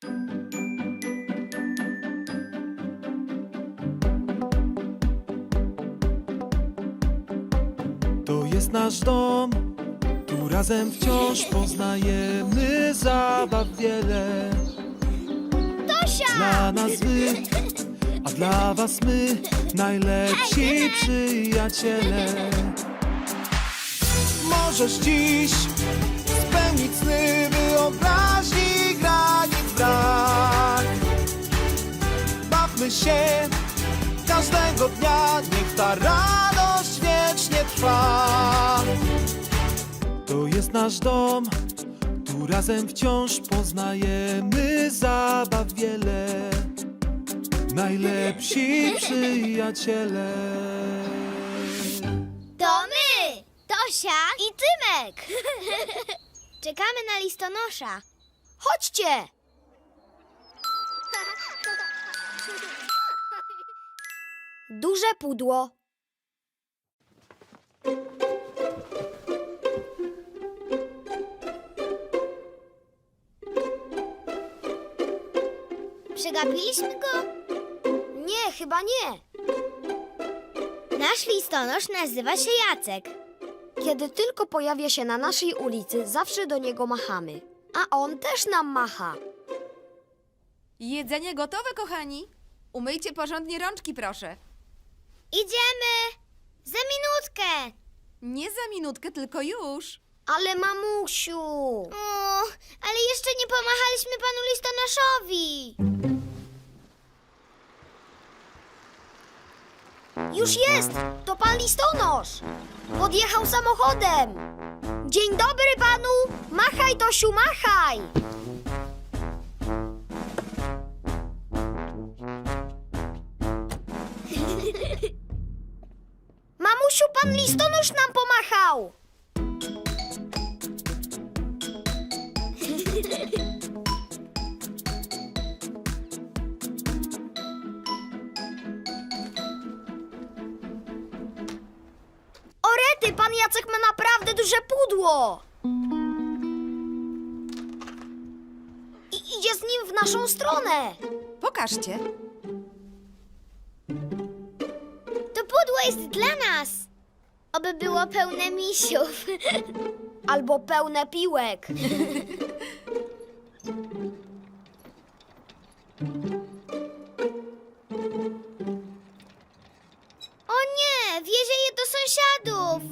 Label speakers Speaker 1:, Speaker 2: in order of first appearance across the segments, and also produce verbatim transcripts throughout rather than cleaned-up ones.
Speaker 1: To jest nasz dom, tu razem wciąż poznajemy zabaw wiele.
Speaker 2: Tosia!
Speaker 1: Dla nas wy, a dla was my, najlepsi przyjaciele. Możesz dziś spełnić sny, wyobraźni granic brak. Bawmy się każdego dnia, niech ta radość wiecznie trwa. To jest nasz dom, tu razem wciąż poznajemy zabaw wiele. Najlepsi przyjaciele.
Speaker 2: To my! Tosia i Tymek! Czekamy na listonosza. Chodźcie! Duże pudło. Przegapiliśmy go? Nie, chyba nie. Nasz listonosz nazywa się Jacek. Kiedy tylko pojawia się na naszej ulicy, zawsze do niego machamy. A on też nam macha.
Speaker 3: Jedzenie gotowe, kochani. Umyjcie porządnie rączki, proszę.
Speaker 2: Idziemy! Za minutkę!
Speaker 3: Nie za minutkę, tylko już.
Speaker 2: Ale mamusiu! O, ale jeszcze nie pomachaliśmy panu listonoszowi. Już jest! To pan listonosz! Podjechał samochodem! Dzień dobry panu! Machaj, Tosiu, machaj! Mamusiu, pan listonosz nam pomachał! Orety, pan Jacek ma naprawdę duże pudło! I idzie z nim w naszą stronę!
Speaker 3: Pokażcie.
Speaker 2: To pudło jest dla nas! Oby było pełne misiów. Albo pełne piłek. O nie! Wiezie je do sąsiadów!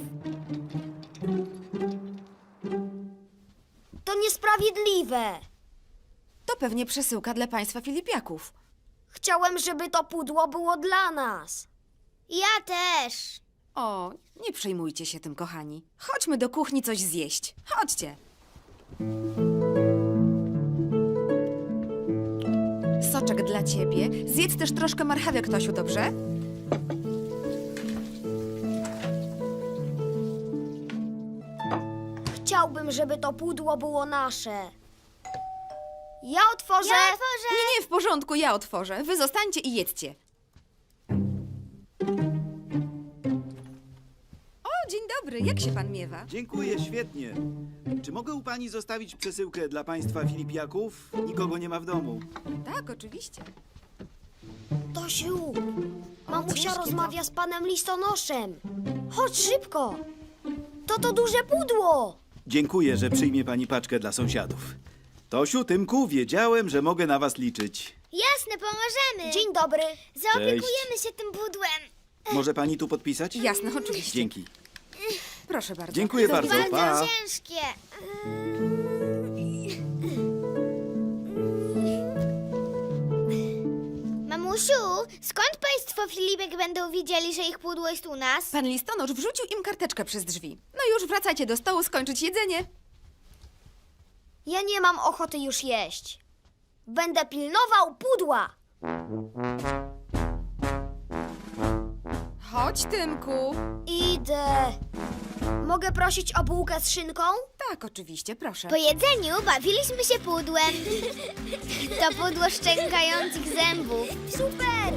Speaker 2: To niesprawiedliwe.
Speaker 3: To pewnie przesyłka dla państwa Filipiaków.
Speaker 2: Chciałem, żeby to pudło było dla nas. Ja też.
Speaker 3: O, nie przejmujcie się tym, kochani. Chodźmy do kuchni coś zjeść. Chodźcie. Soczek dla ciebie. Zjedz też troszkę marchewek, Tosiu, dobrze?
Speaker 2: Chciałbym, żeby to pudło było nasze. Ja otworzę. Ja otworzę.
Speaker 3: Nie, nie, w porządku, ja otworzę. Wy zostańcie i jedzcie. O, dzień dobry. Jak się pan miewa?
Speaker 4: Dziękuję, świetnie. Czy mogę u pani zostawić przesyłkę dla państwa Filipiaków? Nikogo nie ma w domu.
Speaker 3: Tak, oczywiście.
Speaker 2: Tosiu, mamusia
Speaker 3: ciężkie to.
Speaker 2: rozmawia z panem listonoszem. Chodź szybko. To to duże pudło.
Speaker 4: Dziękuję, że przyjmie pani paczkę dla sąsiadów. Tosiu, Tymku, wiedziałem, że mogę na was liczyć.
Speaker 2: Jasne, pomożemy. Dzień dobry. Zaopiekujemy się tym pudłem.
Speaker 4: Może pani tu podpisać?
Speaker 3: Jasne, oczywiście.
Speaker 4: Dzięki.
Speaker 3: Proszę bardzo.
Speaker 4: Dziękuję bardzo.
Speaker 2: Bardzo
Speaker 4: Pa.
Speaker 2: ciężkie. Mamusiu, skąd państwo Filipek będą wiedzieli, że ich pudło jest u nas?
Speaker 3: Pan listonosz wrzucił im karteczkę przez drzwi. No już wracajcie do stołu, skończyć jedzenie.
Speaker 2: Ja nie mam ochoty już jeść. Będę pilnował pudła.
Speaker 3: Chodź, Tymku.
Speaker 2: Idę. Mogę prosić o bułkę z szynką?
Speaker 3: Tak, oczywiście, proszę.
Speaker 2: Po jedzeniu bawiliśmy się pudłem. To pudło szczękających zębów. Super!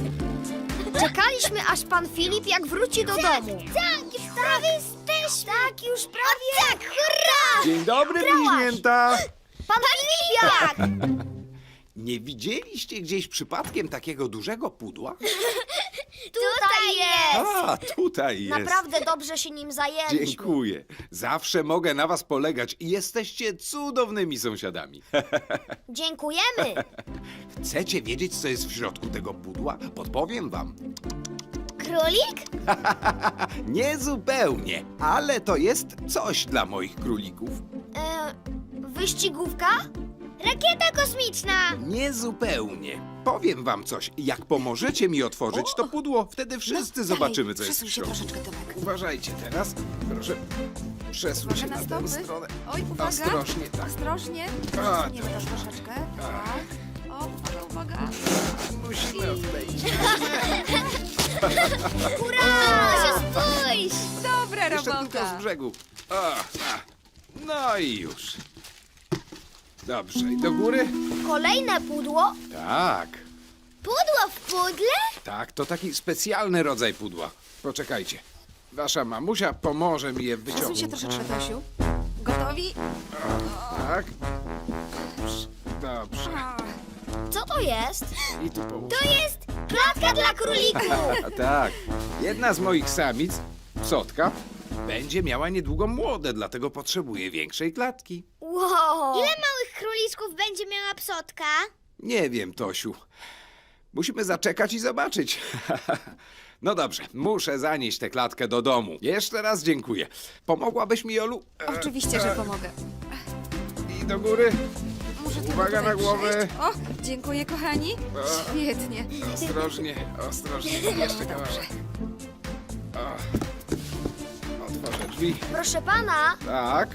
Speaker 2: Czekaliśmy, aż pan Filip jak wróci do domu. Tak, już prawie jesteśmy. Tak, tak, już prawie. Tak, hurra!
Speaker 5: Dzień dobry, bliźnięta!
Speaker 2: Pan Filipiak!
Speaker 5: Nie widzieliście gdzieś przypadkiem takiego dużego pudła?
Speaker 2: Tutaj jest!
Speaker 5: A, tutaj jest.
Speaker 2: Naprawdę dobrze się nim zajęliśmy.
Speaker 5: Dziękuję. Zawsze mogę na was polegać i jesteście cudownymi sąsiadami.
Speaker 2: Dziękujemy.
Speaker 5: Chcecie wiedzieć, co jest w środku tego pudła? Podpowiem wam.
Speaker 2: Królik?
Speaker 5: Nie zupełnie, ale to jest coś dla moich królików.
Speaker 2: E, wyścigówka? Rakieta kosmiczna!
Speaker 5: Nie zupełnie. Powiem wam coś. Jak pomożecie mi otworzyć to pudło, wtedy wszyscy zobaczymy, co jest w
Speaker 3: Przesuń się
Speaker 5: środku.
Speaker 3: troszeczkę, Tomek.
Speaker 5: Uważajcie teraz. Proszę, przesuń się
Speaker 3: Uwaga
Speaker 5: na
Speaker 3: na
Speaker 5: tę
Speaker 3: stopy.
Speaker 5: stronę.
Speaker 3: Oj, uwaga.
Speaker 5: Ostrożnie, tak.
Speaker 3: Ostrożnie.
Speaker 5: A,
Speaker 3: Przesuniemy to troszeczkę. Tak. O, uwaga, uwaga.
Speaker 5: Musimy odejść.
Speaker 2: Hurra! Spójrz!
Speaker 3: Dobra
Speaker 5: Jeszcze tylko z
Speaker 3: robota.
Speaker 5: brzegu. O, a. No i już. Dobrze, i do góry?
Speaker 2: Kolejne pudło?
Speaker 5: Tak,
Speaker 2: Pudło w pudle?
Speaker 5: tak, to taki specjalny rodzaj pudła. Poczekajcie. Wasza mamusia pomoże mi je
Speaker 3: Przesuń się
Speaker 5: wyciągnąć.
Speaker 3: troszeczkę, Tosiu. Gotowi?
Speaker 5: Tak. Dobrze.
Speaker 2: Co to jest?
Speaker 5: I tu połóż.
Speaker 2: To jest klatka dla królików!
Speaker 5: A tak. Jedna z moich samic, psotka, będzie miała niedługo młode, dlatego potrzebuje większej klatki.
Speaker 2: Wow! Ile małych króliczków będzie miała psotka?
Speaker 5: Nie wiem, Tosiu. Musimy zaczekać i zobaczyć. No dobrze, muszę zanieść tę klatkę do domu. Jeszcze raz dziękuję. Pomogłabyś mi, Jolu? E,
Speaker 3: Oczywiście, że pomogę.
Speaker 5: I do góry.
Speaker 3: Muszę tylko
Speaker 5: Uwaga
Speaker 3: tutaj
Speaker 5: na głowę.
Speaker 3: przejść. O, dziękuję, kochani. Świetnie.
Speaker 5: Ostrożnie, ostrożnie. Jeszcze kawałek. O. Otworzę drzwi.
Speaker 2: Proszę pana,
Speaker 5: Tak.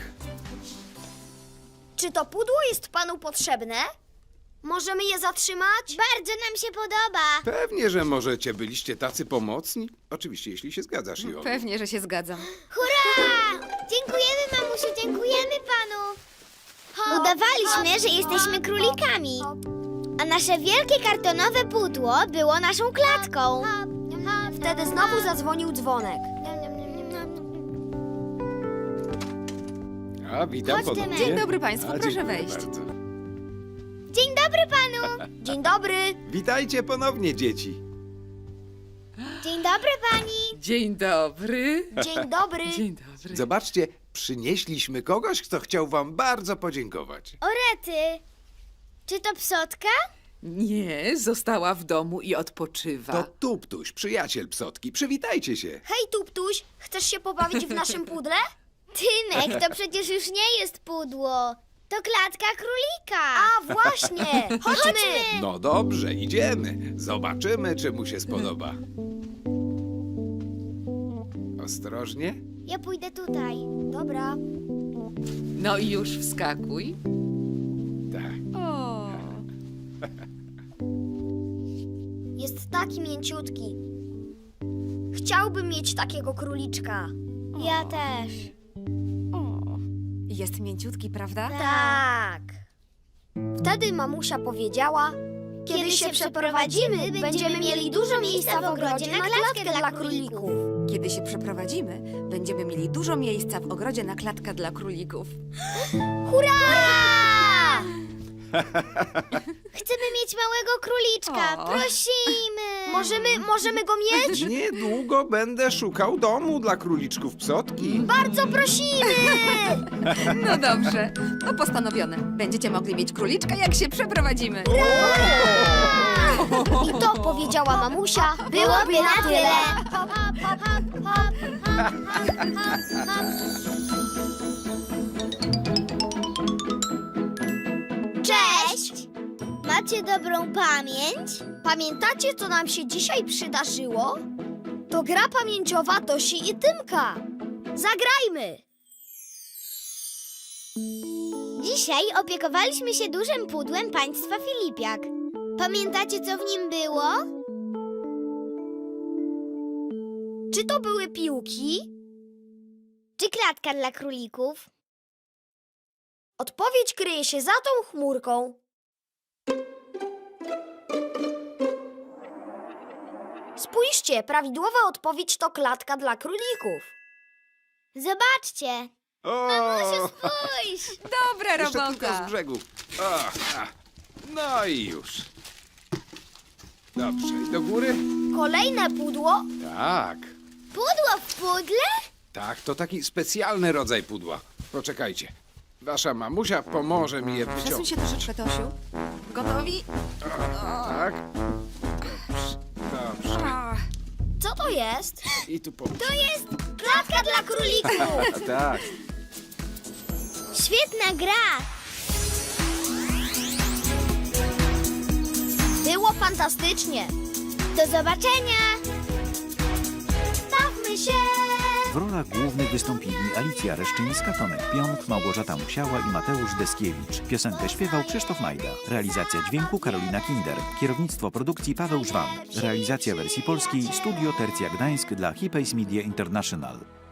Speaker 2: czy to pudło jest panu potrzebne? Możemy je zatrzymać? Bardzo nam się podoba.
Speaker 5: Pewnie, że możecie. Byliście tacy pomocni. Oczywiście, jeśli się zgadzasz, Jolu.
Speaker 3: Pewnie, że się zgadzam.
Speaker 2: Hurra! Dziękujemy, mamusiu, dziękujemy panu. Udawaliśmy, że jesteśmy królikami. A nasze wielkie kartonowe pudło było naszą klatką. Wtedy znowu zadzwonił dzwonek.
Speaker 5: A, witam
Speaker 2: Chodź,
Speaker 5: ponownie.
Speaker 2: Tymek.
Speaker 3: Dzień dobry państwu,
Speaker 5: A,
Speaker 3: proszę
Speaker 5: dziękuję
Speaker 3: wejść.
Speaker 5: bardzo.
Speaker 2: Dzień dobry panu. Dzień dobry.
Speaker 5: Witajcie ponownie, dzieci.
Speaker 2: Dzień dobry pani.
Speaker 6: Dzień dobry.
Speaker 2: Dzień dobry.
Speaker 6: Dzień dobry.
Speaker 5: Zobaczcie, przynieśliśmy kogoś, kto chciał wam bardzo podziękować.
Speaker 2: Orety. Czy to psotka?
Speaker 6: Nie, została w domu i odpoczywa.
Speaker 5: To Tuptuś, przyjaciel psotki. Przywitajcie się.
Speaker 2: Hej, Tuptuś, chcesz się pobawić w naszym pudle? Tymek, to przecież już nie jest pudło. To klatka królika. A, właśnie. Chodźmy.
Speaker 5: No dobrze, idziemy. Zobaczymy, czy mu się spodoba. Ostrożnie.
Speaker 2: Ja pójdę tutaj. Dobra.
Speaker 6: No i już wskakuj.
Speaker 5: Tak.
Speaker 3: O,
Speaker 2: Jest taki mięciutki. Chciałbym mieć takiego króliczka. Ja też.
Speaker 3: o. Jest mięciutki, prawda?
Speaker 2: Tak. Wtedy mamusia powiedziała: Kiedy się przeprowadzimy, będziemy mieli dużo miejsca w ogrodzie na klatkę dla królików.
Speaker 3: Kiedy się przeprowadzimy, będziemy mieli dużo miejsca w ogrodzie na klatkę dla królików.
Speaker 2: Hurra! Chcemy mieć małego króliczka.
Speaker 3: O.
Speaker 2: Prosimy. Możemy, możemy go mieć?
Speaker 5: Niedługo będę szukał domu dla króliczków psotki.
Speaker 2: Bardzo prosimy.
Speaker 3: No dobrze, to postanowione. Będziecie mogli mieć króliczka, jak się przeprowadzimy.
Speaker 2: I to powiedziała mamusia. Byłoby na tyle. Cześć! Macie dobrą pamięć? Pamiętacie, co nam się dzisiaj przydarzyło? To gra pamięciowa Tosi i Tymka. Zagrajmy! Dzisiaj opiekowaliśmy się dużym pudłem państwa Filipiak. Pamiętacie, co w nim było? Czy to były piłki? Czy klatka dla królików? Odpowiedź kryje się za tą chmurką. Spójrzcie, prawidłowa odpowiedź to klatka dla królików. Zobaczcie.
Speaker 5: O!
Speaker 2: Mamusiu, spójrz.
Speaker 3: Dobra
Speaker 5: Jeszcze
Speaker 3: robota.
Speaker 5: tylko z brzegu. O, a. No i już. Dobrze, i do góry?
Speaker 2: Kolejne pudło?
Speaker 5: Tak,
Speaker 2: Pudło w pudle?
Speaker 5: tak, to taki specjalny rodzaj pudła. Poczekajcie. Wasza mamusia pomoże mi je
Speaker 3: Przesuń
Speaker 5: wyciągnąć.
Speaker 3: się troszeczkę, Tosiu. Gotowi?
Speaker 5: Tak? Dobrze, dobrze.
Speaker 3: A,
Speaker 2: Co to jest?
Speaker 5: I tu pomóż.
Speaker 2: To jest klatka dla królików.
Speaker 5: Tak.
Speaker 2: Świetna gra. Było fantastycznie. Do zobaczenia. Bawmy się.
Speaker 7: W rolach głównych wystąpili Alicja Reszczyńska, Tomek Pionk, Małgorzata Musiała i Mateusz Deskiewicz. Piosenkę śpiewał Krzysztof Majda. Realizacja dźwięku Karolina Kinder. Kierownictwo produkcji Paweł Żwan. Realizacja wersji polskiej Studio Tercja Gdańsk dla Hipays Media International.